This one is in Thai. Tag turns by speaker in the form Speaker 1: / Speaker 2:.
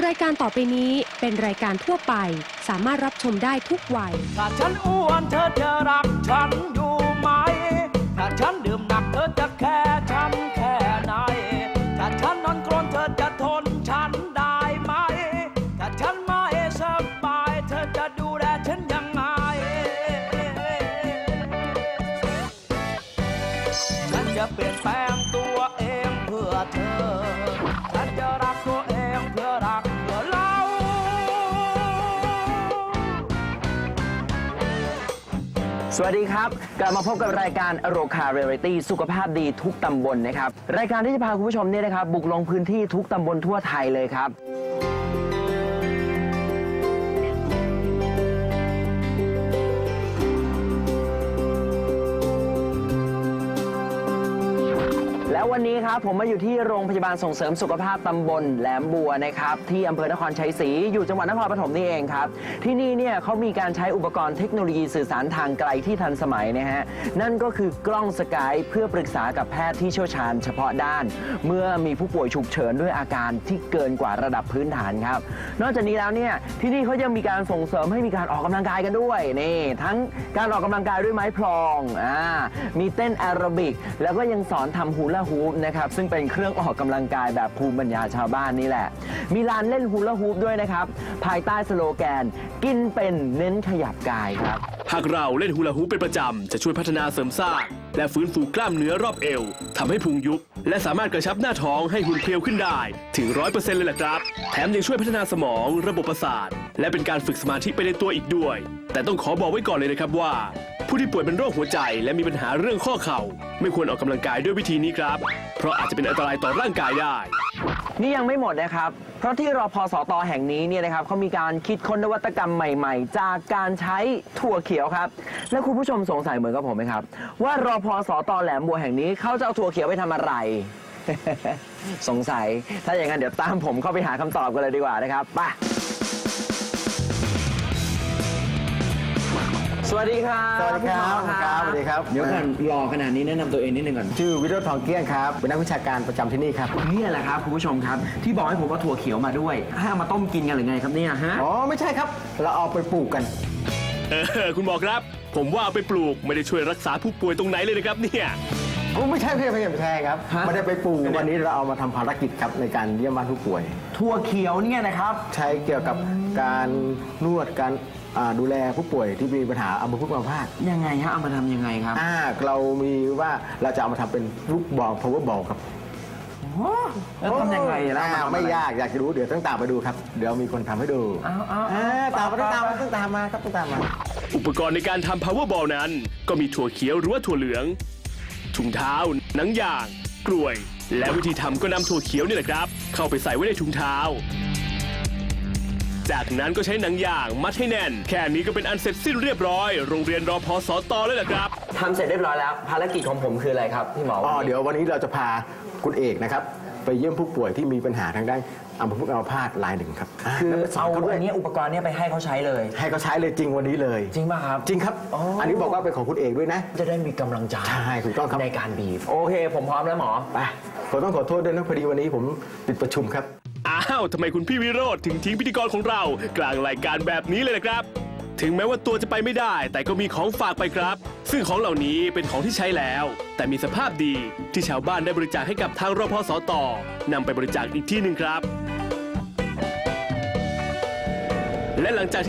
Speaker 1: ายการต่อไปนี้เป็นรายการทั่วไปสามารถรับชมได้ทุกวัย
Speaker 2: ถ้าฉันอ้วนเธอจะรักฉันอยู่ไหมถ้าฉันดื่มหนักเธอจะแค่ฉันแค่ไหนถ้าฉันนอนกรนเธอจะทนฉันได้ไหมถ้าฉันไม่สบายเธอจะดูแลฉันยังไงฉันจะเปลี่ยนแปลงตัวเองเพื่อเธอฉันจะรักตัวเองเพื่อรักเพื่อเรา
Speaker 3: สวัสดีครับกลับมาพบกับรายการโรคาเรียลิตี้สุขภาพดีทุกตำบลนะครับรายการที่จะพาคุณผู้ชมเนี่ยนะครับบุกลงพื้นที่ทุกตำบลทั่วไทยเลยครับแล้ววันนี้ครับผมมาอยู่ที่โรงพยาบาลส่งเสริมสุขภาพตำบลแหลมบัวนะครับที่อำเภอนครชัยศรีอยู่จังหวัดนครปฐมนี่เองครับที่นี่เนี่ยเขามีการใช้อุปกรณ์เทคโนโลยีสื่อสารทางไกลที่ทันสมัยนะฮะนั่นก็คือกล้องสกายเพื่อปรึกษากับแพทย์ที่เชี่ยวชาญเฉพาะด้านเมื่อมีผู้ป่วยฉุกเฉินด้วยอาการที่เกินกว่าระดับพื้นฐานครับนอกจากนี้แล้วเนี่ยที่นี่เขายังมีการส่งเสริมให้มีการออกกำลังกายกันด้วยนี่ทั้งการออกกำลังกายด้วยไม้พลองมีเต้นแอโรบิกแล้วก็ยังสอนทำฮูลาฮูปนะครับซึ่งเป็นเครื่องออกกำลังกายแบบภูมิปัญญาชาวบ้านนี่แหละมีลานเล่นฮูลาฮูปด้วยนะครับภายใต้สโลแกนกินเป็นเน้นขยับกายครับ
Speaker 4: หากเราเล่นฮูลาฮูปเป็นประจำจะช่วยพัฒนาเสริมสร้างและฟื้นฟูกล้ามเนื้อรอบเอวทำให้พุงยุบและสามารถกระชับหน้าท้องให้หุ่นเพรียวขึ้นได้ถึง 100% เลยล่ะครับแถมยังช่วยพัฒนาสมองระบบประสาทและเป็นการฝึกสมาธิไปในตัวอีกด้วยแต่ต้องขอบอกไว้ก่อนเลยนะครับว่าผู้ที่ป่วยเป็นโรคหัวใจและมีปัญหาเรื่องข้อเข่าไม่ควรออกกำลังกายด้วยวิธีนี้ครับเพราะอาจจะเป็นอันตรายต่อร่างกายได้
Speaker 3: นี่ยังไม่หมดนะครับเพราะที่รพสต.แห่งนี้เนี่ยนะครับเขามีการคิดค้นนวัตกรรมใหม่ๆจากการใช้ถั่วเขียวครับและคุณผู้ชมสงสัยเหมือนกับผมไหมครับว่ารพสต.แหลมบัวแห่งนี้เขาจะเอาถั่วเขียวไปทำอะไร สงสัยถ้าอย่างนั้นเดี๋ยวตามผมเข้าไปหาคำตอบกันเลยดีกว่านะครับไปสวัสดีครับ
Speaker 5: สวัสดีครับสวัสดีครับ
Speaker 3: เดี๋ยวก่อนรอขนาดนี้แนะนำตัวเองนิดนึงก่อน
Speaker 5: ชื่อวิโรจน์ทองเกี้ยงครับเป็นนักวิชาการประจำที่นี่ครับ
Speaker 3: นี่แหละครับคุณผู้ชมครับที่บอกให้ผมว่าถั่วเขียวมาด้วยให้เอามาต้มกินกันหรือไงครับเนี่ยฮะ
Speaker 5: อ๋อไม่ใช่ครับเราเอาไปปลูกกัน
Speaker 4: คุณหมอครับผมว่าเอาไปปลูกไม่ได้ช่วยรักษาผู้ป่วยตรงไหนเลยนะครับเนี่ย
Speaker 5: ไม่ใช่ไม่ใช่ครับไม่ได้ไปปลูกวันนี้เราเอามาทำภารกิจครับในการเยี่ยมบ้านผู้ป่วย
Speaker 3: ถั่วเขียวเนี่ยนะครับ
Speaker 5: ใช้เกี่ยวกับการนวดการดูแลผู้ป่วยที่มีปัญหาอัมพฤกษ์อัมพาต
Speaker 3: ยังไงฮะเอามาทำยังไงครับ
Speaker 5: เรามีว่าเราจะเอามาทำเป็นลูกบอล power ball ครับ
Speaker 3: แล้วทำยังไงล่ะ
Speaker 5: ไม่ยากอยากจะรู้เดี๋ยวต้องตามไปดูครับเดี๋ยวมีคนทำให้ดูตามมาครับต้องตามมา
Speaker 4: อุปกรณ์ในการทำ power ball นั้นก็มีถั่วเขียวหรือว่าถั่วเหลืองถุงเท้าหนังยางกลวยและวิธีทำก็นำถั่วเขียวนี่แหละครับเข้าไปใส่ไว้ในถุงเท้าจากนั้นก็ใช้หนังยางมัดให้แน่นแค่นี้ก็เป็นอันเสร็จสิ้นเรียบร้อยโรงเรียนรพสต.เลยแหละครับ
Speaker 3: ทำเสร็จเรียบร้อยแล้วภารกิจของผมคืออะไรครับพี่หมอ
Speaker 5: เดี๋ยววันนี้เราจะพาคุณเอกนะครับไปเยี่ยมผู้ป่วยที่มีปัญหาทางด้านอัมพฤกษ์อัมพาตรายหนึ่งครับ
Speaker 3: คือเอาอันนี้อุปกรณ์นี้ไปให้เขาใช้เลย
Speaker 5: ให้เขาใช้เลยจริงวันนี้เลย
Speaker 3: จริงป่ะครับ
Speaker 5: จริงครับอันนี้บอกว่าเป็นของคุณเอกด้วยนะ
Speaker 3: จะได้มีกำลังใจ
Speaker 5: ใช่ถูกต้องครับ
Speaker 3: ในการบีบโอเคผมพร้อมแล้วหมอ
Speaker 5: ไปผมต้องขอโทษด้วยนะพอดีวันนี้ผมติดประชุมครับ
Speaker 4: ทำไมคุณพี่วิโรจน์ถึงทิ้งพิธีกรของเรากลางรายการแบบนี้เลยนะครับถึงแม้ว่าตัวจะไปไม่ได้แต่ก็มีของฝากไปครับซึ่งของเหล่านี้เป็นของที่ใช้แล้วแต่มีสภาพดีที่ชาวบ้านได้บริจาคให้กับทางรพสต.นำไปบริจาคอีกที่หนึ่งครับและหลังจาก